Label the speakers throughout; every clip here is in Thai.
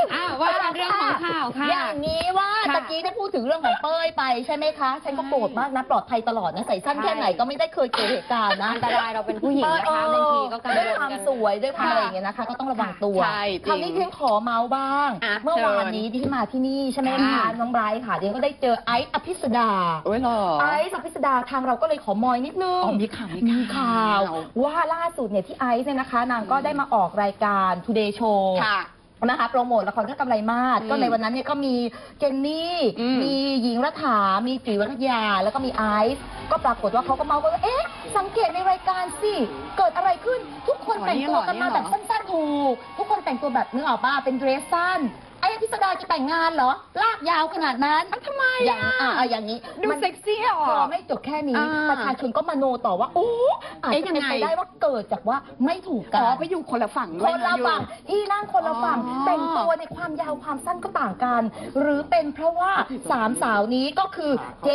Speaker 1: ว่าเรื่องของข่าวค่ะ
Speaker 2: อย่างนี้ว่าตะกี้ได้พูดถึงเรื่องของเป้ยไปใช่ไหมคะฉันก็โกรธมากนะปลอดภัยตลอดนะใส่สั้นแค่ไหนก็ไม่ได้เคยเกิดเหตุการณ์นะ
Speaker 1: อันตรายเราเป็นผู้หญิงนะคะบางทีก็กังวล
Speaker 2: ด้วยความสวยด้วยความอะไรอย่างเงี้ยนะคะก็ต้องระวังตัวคราวนี้เพียงขอเมาส์บ้างเมื่อวานนี้ที่มาที่นี่ใช่ไหมคะน้องไบรท์ค่ะเดี๋ยวก็ได้เจอไอซ์อภิสดาไอซ์อภิสดาทางเราก็เลยขอมอยนิดนึงมีข่าวว่าล่าสุดเนี่ยที่ไอซ์เนี่ยนะคะนางก็ได้มาออกรายการ Today Showนะคะโปรโมทละครก็กำไรมากก็ในวันนั้นเนี่ยก็มีเจนนี่มีหญิงรัฐามีจุ๋ยวรัตยาแล้วก็มีไอซ์ก็ปรากฏว่าเขาก็เมาว่าเอ๊ะสังเกตในรายการสิเกิดอะไรขึ้นทุกคนแต่งตัวกันมาแบบสั้นๆถูกทุกคนแต่งตัวแบบนึกออกป่ะเป็นเดรสสั้นไอ้อภิสดาจะแต่งงานเหรอลากยาวขนาดนั้นทำไมอย่างนี้
Speaker 1: ดูเซ็กซี่อ่ะ
Speaker 2: ไม่จบแค่นี้ประชาชนก็มโนต่อว่าโอ้อาจจะเป็นไปได้ว่าเกิดจากว่าไม่ถูกกัน
Speaker 1: ไปอยู่คนละฝั่ง
Speaker 2: คนละฝั่งที่นั่งคนละฝั่งแต่งตัวในความยาวความสั้นก็ต่างกันหรือเป็นเพราะว่าสามสาวนี้ก็คือ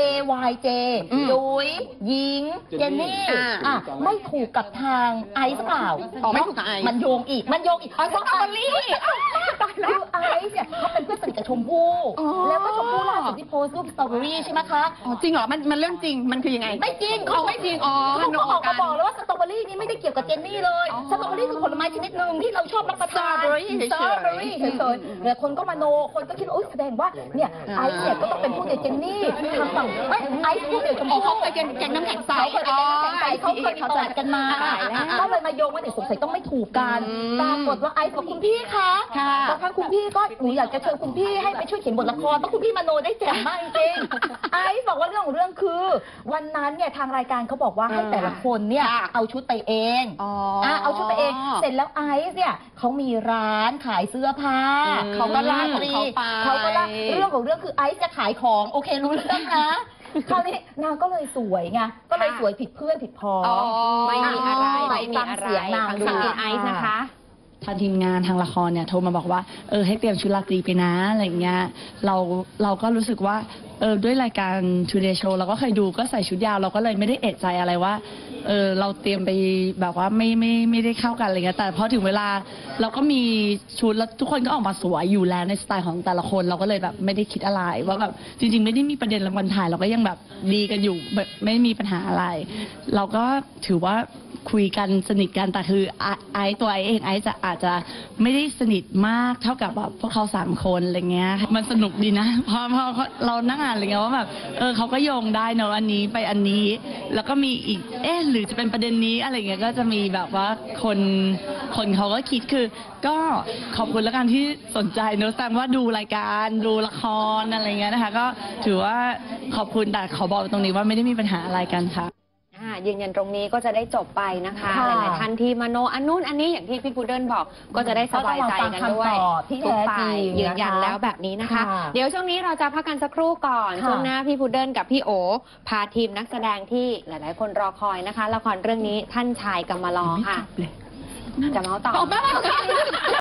Speaker 2: JYJ จุ๋ยหญิงเจนนี่ไม่ถูกกับทางไอซ์เปล่า
Speaker 1: ไม่ถูกกับไอซ์
Speaker 2: มันโยงอีกเพราะไอซ์คือไอซ์เนี่ยเขาเป็นเพื่อนสนิทกับชมพู่แล้วก็ชมพู่ล่าสุดที่โพสต์รูปสตรอเบอรี่ใช่ไหมคะ
Speaker 1: จริงเหรอมันเรื่องจริงมันคือยังไง
Speaker 2: ไม่จริงเขา
Speaker 1: ไม่จริง
Speaker 2: เขาออกมาบอกแล้วว่าสตรอเบอรี่นี่ไม่ได้เกี่ยวกับเจนนี่เลยสตรอเบอรี่คือผลไม้ชนิดหนึ่งที่เราชอบรับประทานสตรอเบอรี่เฉยๆแต่คนก็มโนคนก็คิดว่าแสดงว่าเนี่ยไอซ์เนี่ยก็ต้องเป็นผู้เดียวเจนนี่ทางฝั่งไอซ์ผู้เดียวชมพู่
Speaker 1: เขาเคยแกงน้ำแข็งใส
Speaker 2: เขาเคยมีประวัติกันมาก็เลยมาโยงว่าเด็กสงสัยต้องไม่ถูกกันปรากฏว่าไอซ์กับคุณพี่คะบางครั้งคุณพี่ก็หนูอยากจะเชิญคุณพี่ให้ไปช่วยเขียนบทละครเพราะคุณพี่มโนได้แจ่มมากจริงไอซ์บอกว่าเรื่องของเรื่องคือวันนั้นเนี่ยทางรายการเขาบอกว่าให้แต่ละคนเนี่ยเอาชุดไปเองเอาชุดไปเองเสร็จแล้วไอซ์เนี่ยเขามีร้านขายเสื้อผ้าเขาก็ล่าเรื่องของเรื่องคือไอซ์จะขายของโอเครู้เรื่องนะคราวนี้นางก็เลยสวยไงก็เลยสวยผิดเพื่อนผิดพ้อง
Speaker 1: ไม่มีอะไร
Speaker 2: นางดู
Speaker 1: ไอซ์นะคะ
Speaker 3: ทางทีมงานทางละครเนี่ยโทรมาบอกว่าให้เตรียมชุดราตรีไปนะอะไรเงี้ยเราก็รู้สึกว่าด้วยรายการ Today Show เราก็เคยดูก็ใส่ชุดยาวเราก็เลยไม่ได้เอะใจอะไรว่าเราเตรียมไปแบบว่าไม่ได้เข้ากันอะไรเงี้ยแต่พอถึงเวลาเราก็มีชุดแล้วทุกคนก็ออกมาสวยอยู่แล้วในสไตล์ของแต่ละคนเราก็เลยแบบไม่ได้คิดอะไรว่าแบบจริงๆไม่ได้มีประเด็นรางวัลถ่ายเราก็ยังแบบดีกันอยู่แบบไม่มีปัญหาอะไรเราก็ถือว่าคุยกันสนิทกันแต่คือตัวไอเองอาจจะไม่ได้สนิทมากเท่ากับแบบพวกเขา3 คนอะไรเงี้ยมันสนุกดีนะพอเรานั่งอ่านอะไรเงี้ยว่าแบบเขาก็โยงได้เนอะอันนี้ไปอันนี้แล้วก็มีอีกหรือจะเป็นประเด็นนี้อะไรเงี้ยก็จะมีแบบว่าคนเขาก็คิดคือก็ขอบคุณแล้วกันที่สนใจเนอะแสดงว่าดูรายการดูละครอะไรเงี้ยนะคะก็ถือว่าขอบคุณแต่ขอบอกตรงนี้ว่าไม่ได้มีปัญหาอะไรกันค่ะ
Speaker 1: ยืนยันตรงนี้ก็จะได้จบไปนะคะหลายๆท่านที่มโนอันนู้นอันนี้อย่างที่พี่พุดเดิ้ลบอกก็จะได้สบายใจกันด้วยทุกฝ่ายยืนยันแล้วแบบนี้นะคะเดี๋ยวช่วงนี้เราจะพักกันสักครู่ก่อนช่วงหน้าพี่พุดเดิ้ลกับพี่โอพาทีมนักแสดงที่หลายๆคนรอคอยนะคะละครเรื่องนี้ท่านชายกำมะลอค่ะจะเมาต่อ